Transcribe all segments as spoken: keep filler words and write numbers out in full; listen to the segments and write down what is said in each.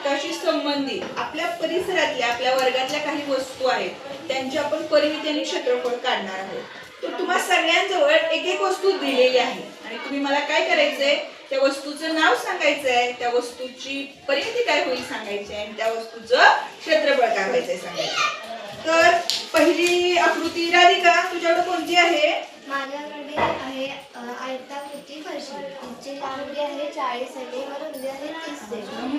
घटकाशी संबंधित आपल्या परिसरातल्या आपल्या वर्गातल्या काही वस्तू आहेत त्यांची आपण परिमिती आणि क्षेत्रफळ काढणार आहोत. तर तुम्हा सगळ्यांजवळ एक एक वस्तू दिलेली आहे आणि तुम्ही मला काय करायचंय, त्या वस्तूचं नाव सांगायचंय, त्या वस्तूची परिमिती काय होईल सांगायची आहे आणि त्या वस्तूचं क्षेत्रफळ काय व्हायचंय सांगायचं. तर पहिली आकृती राधिका तुझ्याकडे कोणती आहे? माझ्याकडे आहे आयताकृती फरशी. तिची लांबी आहे चाळीस सेमी व रुंदी आहे तीस सेमी.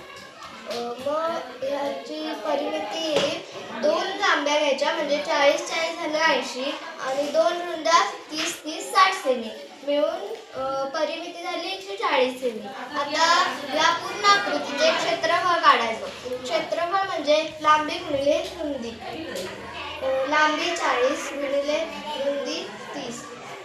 मग याची परिमिती दोन लांब्या घ्यायच्या म्हणजे चाळीस चाळीस झालं ऐंशी आणि दोन रुंद्या तीस तीस साठ सेमी मिळून परिमिती झाली एकशे चाळीस सेमी. आता या पूर्ण आकृतीचे क्षेत्रफळ काढायचं. क्षेत्रफळ म्हणजे लांबी गुणिले रुंदी. लांबी चाळीस गुणिले रुंदी तीस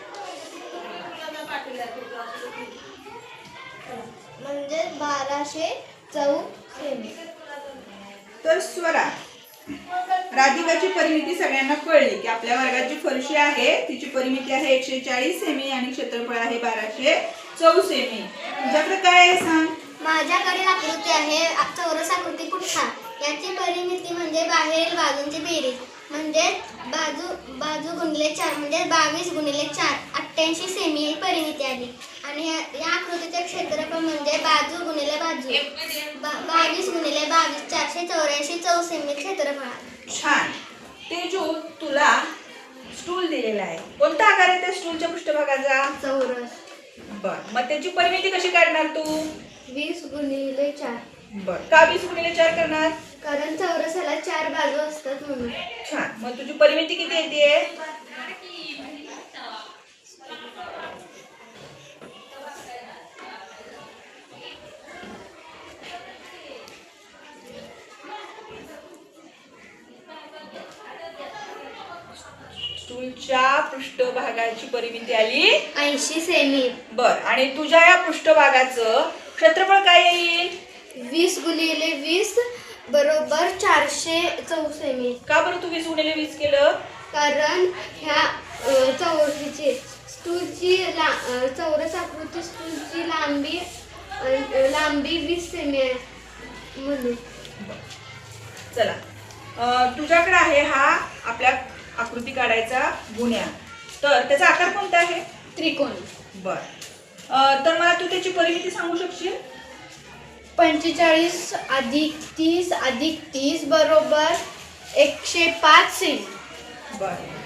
म्हणजे बाराशे चौ सेमी. तर स्वरा राधिकाची परिमिती सगळ्यांना कळली की आपल्या वर्गात जी फरशी आहे तिची परिमिती आहे एकशे चाळीस सेमी आणि क्षेत्रफळ आहे बाराशे चौ सेमी. तुझ्याकडे काय आहे सांग? माझ्याकडे आकृती आहे चौरस आकृती पुठ्ठा. याची परिमिती म्हणजे बाहेरील बाजूंची बेरीज म्हणजे बाजू बाजू गुणिले चार म्हणजे बावीस गुणिले चार अठ्ठ्याऐंशी सेमी ही परिमिती आली. आणि या आकृतीचे क्षेत्रफळ म्हणजे बाजू गुणिले बाजू बावीस गुणिले बावीस चारशे चौऱ्याऐंशी चौ सेमी क्षेत्रफळ. छान. ते जो तुला स्टूल दिलेला आहे कोणता आकार आहे त्या स्टूलच्या पृष्ठभागाचा? चौरस. बर, मग त्याची परिमिती कशी काढणार तू? वीस गुणिले चार. बर, का वीस गुणिले चार करणार? कारण चौरसाला चार बाजू असतात म्हणून. छान. मग तुझी परिमिती किती येते? स्टूलच्या पृष्ठभागाची परिमिती आली ऐंशी सेमी. बर, आणि तुझ्या या पृष्ठभागाचं क्षेत्रफळ काय येईल? वीस गुणिले वीस बरोबर चारशे चौ सेमी. का बरं तू वीस गुणिले वीस केलं? कारण ह्या चौरशीची स्टूलची ला चौरस आकृती स्टूलची लांबी लांबी वीस सेमी आहे म्हणून. चला, तुझ्याकडे आहे हा आपल्या आकृती काढायचा गुन्हा. तर त्याचा आकार कोणता आहे? त्रिकोण. बर, तर मला तू त्याची परिमिती सांगू शकशील? पंचेचाळीस अधिक तीस अधिक तीस बरोबर एकशे पाच सेमी. बर,